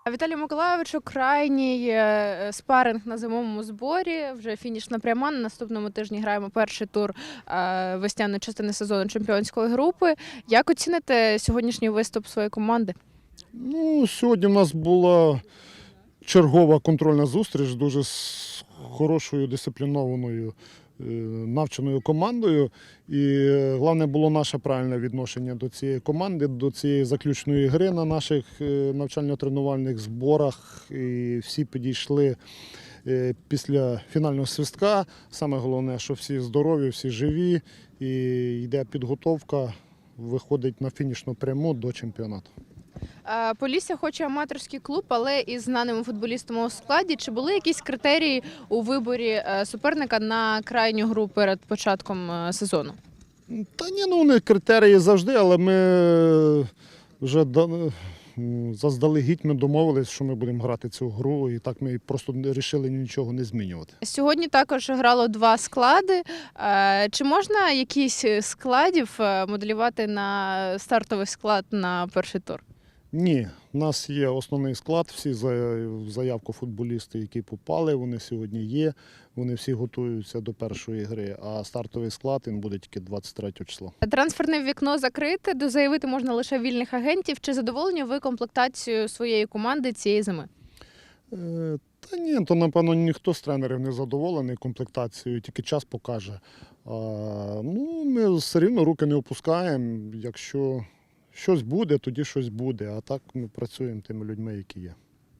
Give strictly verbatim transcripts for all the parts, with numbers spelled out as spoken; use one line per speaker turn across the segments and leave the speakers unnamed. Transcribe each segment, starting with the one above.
Віталію Миколайовичу, крайній е, спаринг на зимовому зборі. Вже фінішна пряма. На наступному тижні граємо перший тур е, весняної частини сезону чемпіонської групи. Як оціните сьогоднішній виступ своєї команди?
Ну, сьогодні в нас була чергова контрольна зустріч з дуже с- хорошою дисциплінованою е, навченою командою. І головне було наше правильне відношення до цієї команди, до цієї заключної гри на наших е, навчально-тренувальних зборах. І всі підійшли е, після фінального свистка. Саме головне, що всі здорові, всі живі, і йде підготовка, виходить на фінішну пряму до чемпіонату.
Е, Полісся хоче аматорський клуб, але із знаними футболістами у складі. Чи були якісь критерії у виборі е, суперника на крайню гру перед початком е, сезону?
Та ні, ну вони критерії завжди, але ми вже да- м, заздалегідь ми домовились, що ми будемо грати цю гру, і так ми просто вирішили нічого не змінювати.
Сьогодні також грало два склади. Е, Чи можна якісь з складів е, моделювати на стартовий склад на перший тур?
Ні, у нас є основний склад, всі за- в заявку футболісти, які попали, вони сьогодні є, вони всі готуються до першої гри, а стартовий склад він буде тільки двадцять третього числа.
Трансферне вікно закрите, дозаявити можна лише вільних агентів. Чи задоволені ви комплектацією своєї команди цієї зими?
Е, Та ні, то напевно ніхто з тренерів не задоволений комплектацією, тільки час покаже. А, ну, ми все рівно руки не опускаємо. Якщо щось буде, тоді щось буде. А так ми працюємо тими людьми, які є.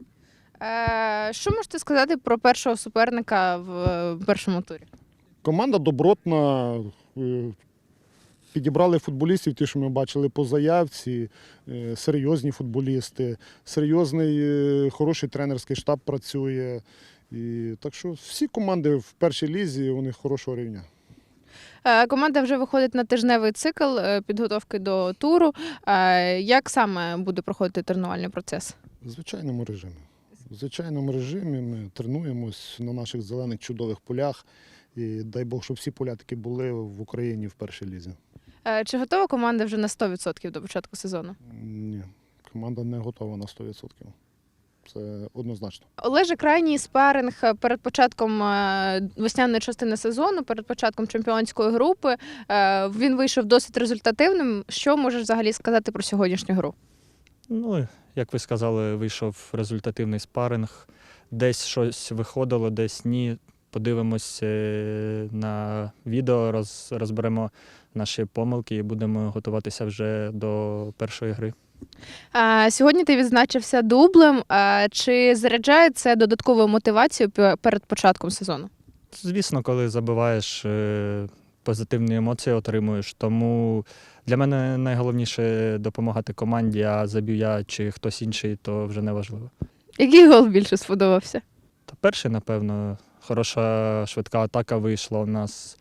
Е, Що можете сказати про першого суперника в е, першому турі?
Команда добротна. е, Підібрали футболістів, ті, що ми бачили по заявці, е, серйозні футболісти, серйозний, е, хороший тренерський штаб працює. І, так що всі команди в першій лізі, вони хорошого рівня.
Е, Команда вже виходить на тижневий цикл е, підготовки до туру. Е, Як саме буде проходити тренувальний процес?
В звичайному режимі. В звичайному режимі ми тренуємось на наших зелених чудових полях. І дай Бог, щоб всі поля таки були в Україні в першій лізі.
Е, Чи готова команда вже на сто відсотків до початку сезону?
Ні, команда не готова на сто відсотків. Це однозначно.
Олеже, крайній спаринг перед початком е, весняної частини сезону, перед початком чемпіонської групи. Е, Він вийшов досить результативним. Що можеш взагалі сказати про сьогоднішню гру?
Ну, як ви сказали, вийшов результативний спаринг. Десь щось виходило, десь ні. Подивимось е, на відео, роз, розберемо наші помилки і будемо готуватися вже до першої гри.
Е, Сьогодні ти відзначився дублем. Е, Чи заряджає це додатковою мотивацією пе- перед початком сезону?
Звісно, коли забиваєш, е, позитивні емоції отримуєш. Тому для мене найголовніше допомагати команді, а заб'ю я чи хтось інший, то вже не важливо.
Який гол більше сподобався?
Та перший, напевно, хороша швидка атака вийшла у нас.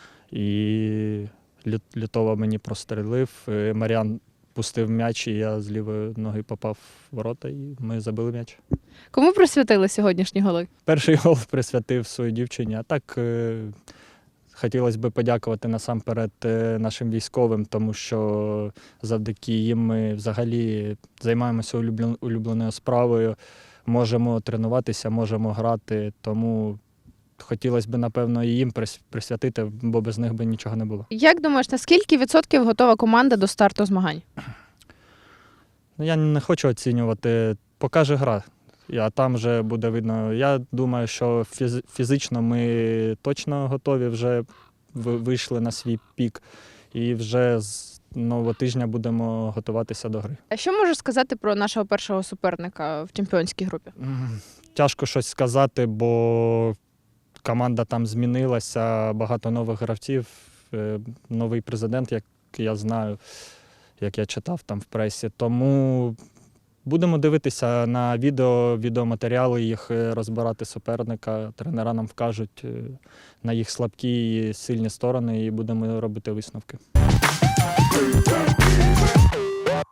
І Лю- Лютова мені прострелив. е, Мар'ян пустив м'яч, і я з лівої ноги попав в ворота, і ми забили м'яч.
Кому присвятили сьогоднішні голи?
Перший гол присвятив своїй дівчині, а так е, хотілося б подякувати насамперед е, нашим військовим, тому що завдяки їм ми взагалі займаємося улюблен- улюбленою справою, можемо тренуватися, можемо грати, тому хотілося б, напевно, і їм прис- присвятити, бо без них би нічого не було.
Як думаєш, на скільки відсотків готова команда до старту змагань?
Ну, я не хочу оцінювати, покаже гра, а там вже буде видно. Я думаю, що фіз- фізично ми точно готові, вже ви- вийшли на свій пік і вже з нового тижня будемо готуватися до гри.
А що можеш сказати про нашого першого суперника в чемпіонській групі?
М, Тяжко щось сказати, бо команда там змінилася, багато нових гравців, е, новий президент, як я знаю, як я читав там в пресі. Тому будемо дивитися на відео, відеоматеріали, їх е, розбирати суперника. Тренера нам вкажуть е, на їх слабкі і сильні сторони, і будемо робити висновки.